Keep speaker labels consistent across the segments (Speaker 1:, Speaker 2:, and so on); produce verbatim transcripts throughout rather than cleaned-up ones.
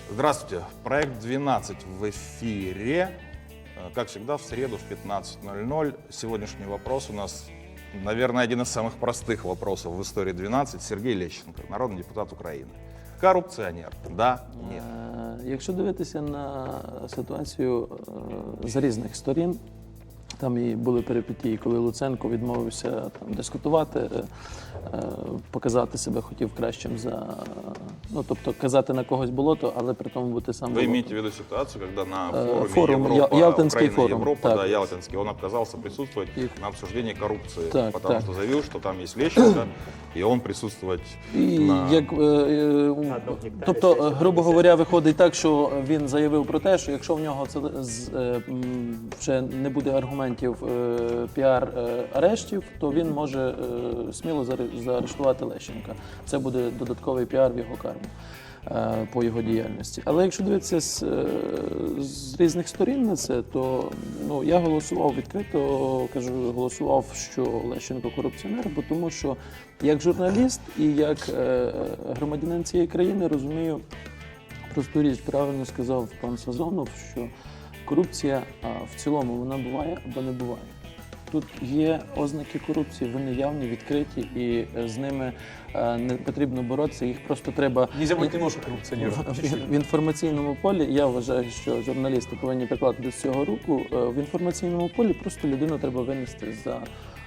Speaker 1: Здравствуйте. Проект двенадцать в эфире. Как всегда, в среду в пятнадцать ноль ноль. Сегодняшний вопрос у нас, наверное, один из самых простых вопросов в истории двенадцать. Сергей Лещенко, народный депутат України. Корупціонер? Да? Ні?
Speaker 2: Якщо дивитися на ситуацію з різних сторін, там і були перипетії, коли Луценко відмовився там дискутувати, показати себе хотів кращим за, ну, тобто казати на когось болото, але при тому бути сам болото.
Speaker 1: Вы имеете в виду ситуацию, когда на форуме
Speaker 2: Форум,
Speaker 1: Европа,
Speaker 2: Ялтинский
Speaker 1: Украина,
Speaker 2: форум,
Speaker 1: Европа,
Speaker 2: так.
Speaker 1: да, Ялтинский, он отказался присутствовать
Speaker 2: И-
Speaker 1: на обсуждении коррупции,
Speaker 2: Так,
Speaker 1: потому
Speaker 2: так.
Speaker 1: что заявил, что там есть Лещенко, и он присутствовать
Speaker 2: І
Speaker 1: на...
Speaker 2: як, е, е, тобто, е, грубо говоря, виходить так, що він заявив про те, що якщо в нього це з- е, м, вже не буде аргументів е, піар-арештів, то він може е, сміло заре- заарештувати Лещенка. Це буде додатковий піар в його карму е, по його діяльності. Але якщо дивитися з, е, з різних сторін на це, то ну, я голосував відкрито, кажу, голосував, що Лещенко корупціонер, бо тому що як журналіст і як е, громадянин цієї країни розумію просту річ, правильно сказав пан Сазонов, що корупція а, в цілому вона буває або не буває. Тут є ознаки корупції, вони явні, відкриті, і е, з ними е, не потрібно боротися, їх просто треба...
Speaker 3: Нельзя быть немножко коррупционером.
Speaker 2: В, в інформаційному полі, я вважаю, що журналісти повинні прикладати до цього руку, е, в інформаційному полі просто людину треба винести за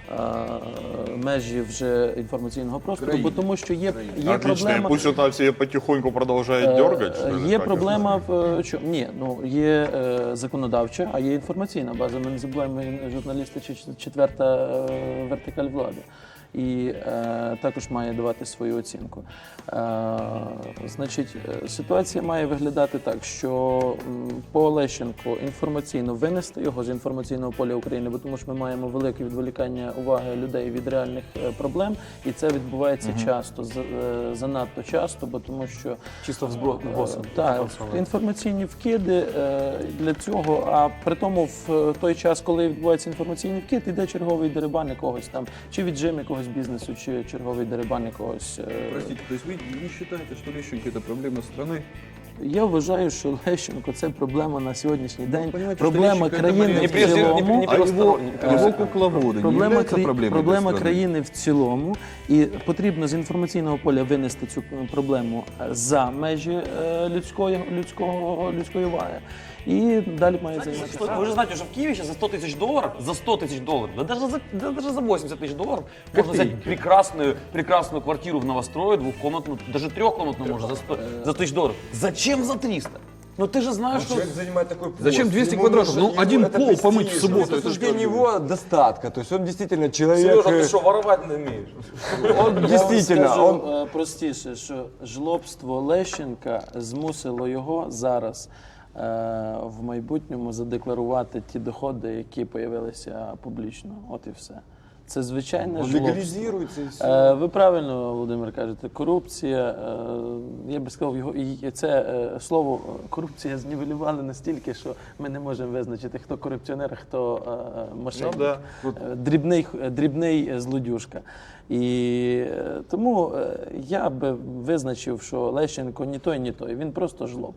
Speaker 2: е, межі вже інформаційного простору, бо тому що є, є
Speaker 1: Отлично, и
Speaker 2: проблема...
Speaker 1: пусть это все потихоньку продолжает
Speaker 2: Е,
Speaker 1: дергать. что ли,
Speaker 2: Є
Speaker 1: как
Speaker 2: проблема в е, чому? Ні, ну є е, законодавча, а є інформаційна база. Ми не забуваємо, ми журналісти чи четверта е, вертикаль влади. І е, також має давати свою оцінку. Е, значить, е, ситуація має виглядати так, що м, по Лещенку інформаційно винести його з інформаційного поля України, бо тому що ми маємо велике відволікання уваги людей від реальних е, проблем, і це відбувається часто, за- е, занадто часто, бо тому що
Speaker 3: Чисто взброд на боссом.
Speaker 2: так, інформаційні вкиди е, для цього, а при тому в той час, коли відбувається інформаційний вкид, йде черговий дерибан якогось там, чи віджим якогось бізнесу, чи черговий дерибан якогось. е,
Speaker 4: Простите, то есть вы не считаете, что Лещенко это проблема страны?
Speaker 2: Я вважаю, що Лещенко це проблема на сьогоднішній день,
Speaker 4: понимаете,
Speaker 2: проблема
Speaker 4: що Лещенко
Speaker 2: країни
Speaker 4: це
Speaker 2: в
Speaker 3: прежде- не-
Speaker 2: цілому.
Speaker 3: не
Speaker 4: А его,
Speaker 3: первосторонний,
Speaker 4: а его кукловоды не
Speaker 2: Проблема,
Speaker 4: являются
Speaker 2: кра-
Speaker 4: проблемой
Speaker 2: проблема
Speaker 4: для страны?
Speaker 2: країни в цілому, і потрібно з інформаційного поля винести цю проблему за межі е, людської, людського, людської уваги. І далі має займатися.
Speaker 3: Что- Вы же знаете, что в Киеве сейчас за сто тысяч долларов, за сто тысяч долларов, да даже за, да даже за восемьдесят тысяч долларов можно взять прекрасную, прекрасную квартиру в новострое, двухкомнатную, даже трехкомнатную можно за сто, за тысяч долларов. Зачем за триста? Ну ты же знаешь, что...
Speaker 5: Человек занимает такой пост.
Speaker 4: Зачем двести
Speaker 5: ему
Speaker 4: квадратов?
Speaker 5: нужно-
Speaker 4: Ну,
Speaker 5: ему
Speaker 4: один
Speaker 5: это
Speaker 4: пол
Speaker 5: престиж.
Speaker 4: помыть в субботу, это
Speaker 5: Рассуждение
Speaker 4: что?
Speaker 5: его достатка. То есть он действительно человек...
Speaker 3: Сережа, ты
Speaker 5: э,
Speaker 3: что, воровать не умеешь?
Speaker 5: Он
Speaker 2: Я вам
Speaker 5: действительно...
Speaker 2: скажу
Speaker 5: он-
Speaker 2: е, простіше, що жлобство Лещенка змусило його зараз е, в майбутньому задекларувати ті доходи, які з'явилися публічно. От і все. Це звичайне
Speaker 5: Он
Speaker 2: жлобство.
Speaker 5: легализируется и все.
Speaker 2: Е, Ви правильно, Володимир, кажете, корупція. е, Я би сказав, його і це е, слово е, корупція знівелювали настільки, що ми не можемо визначити, хто корупціонер, а хто е, мошенник.
Speaker 1: Ну да.
Speaker 2: Е, дрібний, дрібний злодюжка. І е, тому е, я би визначив, що Лещенко ні той, ні той. Він просто жлоб.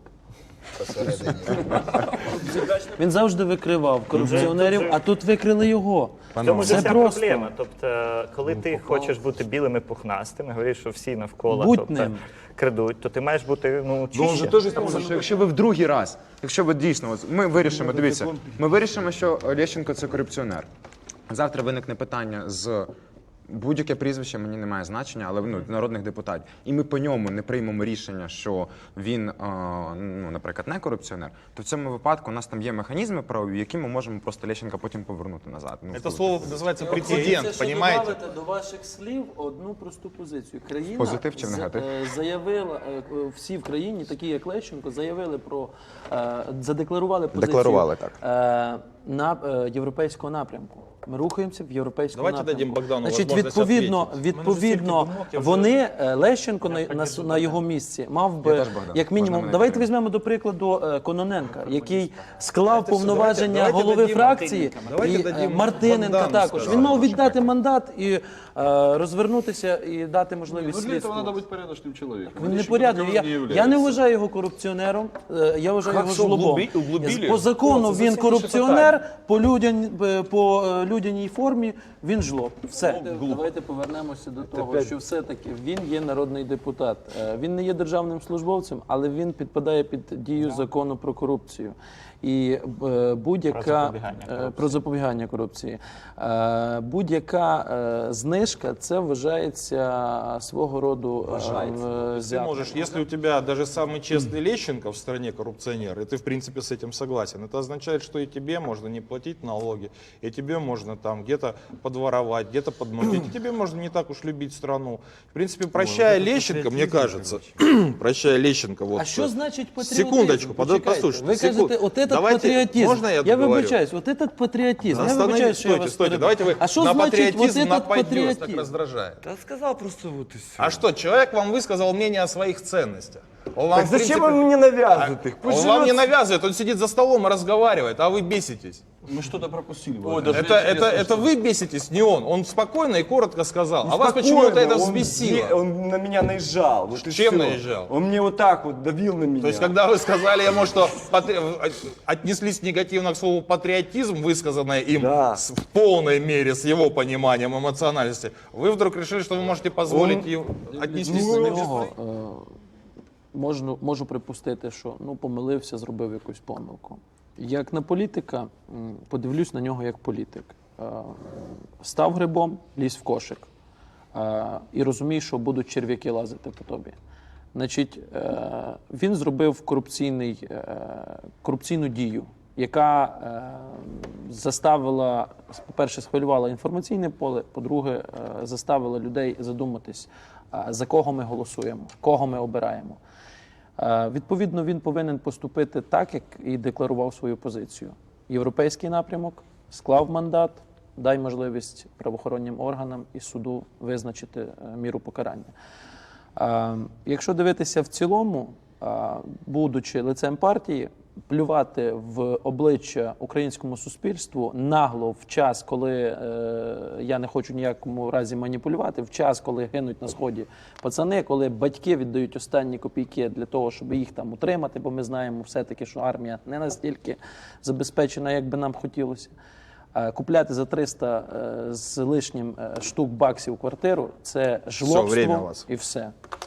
Speaker 2: Він завжди викривав корупціонерів, а тут викрили його.
Speaker 6: В цьому ж
Speaker 2: Це
Speaker 6: вся
Speaker 2: просто.
Speaker 6: проблема. Тобто, коли ти хочеш бути білим і пухнастим, і говориш, що всі навколо
Speaker 2: Будь
Speaker 6: тобто,
Speaker 2: ним.
Speaker 6: крадуть, то ти маєш бути ну,
Speaker 7: Ну, он
Speaker 6: чище.
Speaker 7: же теж сказав, що якщо ви в другий раз, якщо ви дійсно, ось ми вирішимо, дивіться, ми вирішимо, що Лещенко це корупціонер. Завтра виникне питання з будь-яке прізвище, мені не має значення, але ну, народних депутатів. І ми по ньому не приймемо рішення, що він, а, ну, наприклад, не корупціонер, то в цьому випадку у нас там є механізми правові, які ми можемо просто Лещенка потім повернути назад. Ну,
Speaker 1: Это слово называется
Speaker 2: Це
Speaker 1: прецедент,
Speaker 2: ще
Speaker 1: понимаете?
Speaker 2: додати до ваших слів одну просту позицію. Країна
Speaker 7: Позитив чи в
Speaker 2: за-
Speaker 7: негатив?
Speaker 2: е, заявила, е, всі в країні, такі як Лещенко, заявили про, е, задекларували позицію
Speaker 7: Декларували, так.
Speaker 2: е, на, е, європейського напрямку. Ми рухаємося в європейському
Speaker 1: Давайте
Speaker 2: напрямку.
Speaker 1: дадим Богдану
Speaker 2: Значить,
Speaker 1: можливість
Speaker 2: відповідно,
Speaker 1: відповісти.
Speaker 2: відповідно,
Speaker 1: Мене вже стільки думок, я вже-
Speaker 2: вони, е, Лещенко на, на, с- на його місці мав би,
Speaker 7: теж Богдан.
Speaker 2: як
Speaker 7: Можна
Speaker 2: мінімум,
Speaker 7: мене
Speaker 2: давайте
Speaker 7: підтримати.
Speaker 2: візьмемо до прикладу е, Кононенка, який склав
Speaker 1: Давайте все,
Speaker 2: повноваження
Speaker 1: давайте- давайте
Speaker 2: голови
Speaker 1: дадим
Speaker 2: фракції,
Speaker 1: Мартиненка. Давайте
Speaker 2: і е,
Speaker 1: дадим
Speaker 2: Мартиненка
Speaker 1: Богдану
Speaker 2: також.
Speaker 1: сказати.
Speaker 2: Він мав віддати мандат і е, розвернутися і дати можливість
Speaker 4: Ну, для этого
Speaker 2: слідству.
Speaker 4: надо быть порядочным человеком.
Speaker 2: Він не
Speaker 4: Лещенко
Speaker 2: порядний.
Speaker 4: таковым
Speaker 2: Я,
Speaker 4: не
Speaker 2: я не
Speaker 4: является.
Speaker 2: вважаю його корупціонером, е, я вважаю
Speaker 3: Как
Speaker 2: його
Speaker 3: все
Speaker 2: жлобом.
Speaker 3: углуби- углубили?
Speaker 2: По закону
Speaker 3: О, це
Speaker 2: він
Speaker 3: зовсім інше
Speaker 2: корупціонер, по, людян, е, по е, людяній формі він жлоб. Все. Давайте повернемося до того, що все-таки він є народний депутат. Е, Він не є державним службовцем, але він підпадає під дію закону про корупцію. І е, будь-яка
Speaker 6: Про запобігання
Speaker 2: е,
Speaker 6: корупції.
Speaker 2: про запобігання корупції. Е, Будь-яка е, знижка це вважається свого роду е,
Speaker 1: Ты
Speaker 2: взяток.
Speaker 1: можешь, если у тебя даже самый честный Лещенко в стране коррупционер, и ты в принципе с этим согласен, это означает, что и тебе можно не платить налоги, и тебе можно там где-то подворовать, где-то подмутить, и тебе можно не так уж любить страну. В принципе, прощая Лещенко, мне кажется, прощая Лещенко, вот...
Speaker 2: А що значить патріотизм?
Speaker 1: Секундочку, под-
Speaker 2: Почекайте.
Speaker 1: послушайте.
Speaker 2: Ви
Speaker 1: секунд-
Speaker 2: кажете, от этот
Speaker 1: Давайте,
Speaker 2: патріотизм.
Speaker 1: Можно я
Speaker 2: я
Speaker 1: договорю?
Speaker 2: вибачаюсь, от этот патріотизм. Я
Speaker 1: Останови-
Speaker 2: вибачаюсь, що я
Speaker 1: стойте,
Speaker 2: вас
Speaker 1: стойте,
Speaker 2: перебив.
Speaker 1: давайте вы
Speaker 2: А що
Speaker 1: на
Speaker 2: значить от
Speaker 1: патриотизм
Speaker 2: этот
Speaker 1: нападете, так
Speaker 2: патріотизм?
Speaker 1: раздражает.
Speaker 5: Да сказал просто вот и все.
Speaker 1: А что, человек вам высказал мнение о своих ценностях. Он вам,
Speaker 5: Так
Speaker 1: в
Speaker 5: зачем
Speaker 1: принципе,
Speaker 5: он мне навязывает их?
Speaker 1: Он
Speaker 5: Пусть
Speaker 1: вам не
Speaker 5: живет.
Speaker 1: навязывает, он сидит за столом и разговаривает, а вы беситесь.
Speaker 4: Мы что-то пропустили.
Speaker 3: Ой,
Speaker 4: Владимир.
Speaker 3: даже
Speaker 1: Это, это,
Speaker 3: интересно,
Speaker 1: это вы беситесь, не он. Он спокойно и коротко сказал. А вас
Speaker 5: Спокойно,
Speaker 1: почему-то это
Speaker 5: он
Speaker 1: взбесило.
Speaker 5: де- Он на меня наезжал. Вот и
Speaker 1: Чем
Speaker 5: всё.
Speaker 1: наезжал?
Speaker 5: Он мне вот так вот давил на меня.
Speaker 1: То есть, когда вы сказали ему, что патри- отнеслись негативно к слову патриотизм, высказанное им
Speaker 5: Да.
Speaker 1: с- в полной мере, с его пониманием эмоциональности, вы вдруг решили, что вы можете позволить ему отнестись
Speaker 2: До
Speaker 1: негативно?
Speaker 2: нього е, можну, можу припустити, що ну, помилився, зробив якусь помилку. Як на політика, м, подивлюсь на нього як політик. Е, Став грибом, лізь в кошик. Е, І розумій, що будуть черв'яки лазити по тобі. Значить, е, він зробив корупційний, е, корупційну дію, яка е, заставила, по-перше, схвилювала інформаційне поле, по-друге, е, заставила людей задуматись, е, за кого ми голосуємо, кого ми обираємо. Е, Відповідно, він повинен поступити так, як і декларував свою позицію. Європейський напрямок, склав мандат, дай можливість правоохоронним органам і суду визначити е, міру покарання. Е, Якщо дивитися в цілому, е, будучи лицем партії, плювати в обличчя українському суспільству нагло в час, коли е, я не хочу ніякому разі маніпулювати, в час, коли гинуть на сході пацани, коли батьки віддають останні копійки для того, щоб їх там утримати, бо ми знаємо все-таки, що армія не настільки забезпечена, як би нам хотілося. Е, Купляти за триста е, з лишнім е, штук баксів квартиру – це
Speaker 1: время у
Speaker 2: жлобство
Speaker 1: вас.
Speaker 2: і все.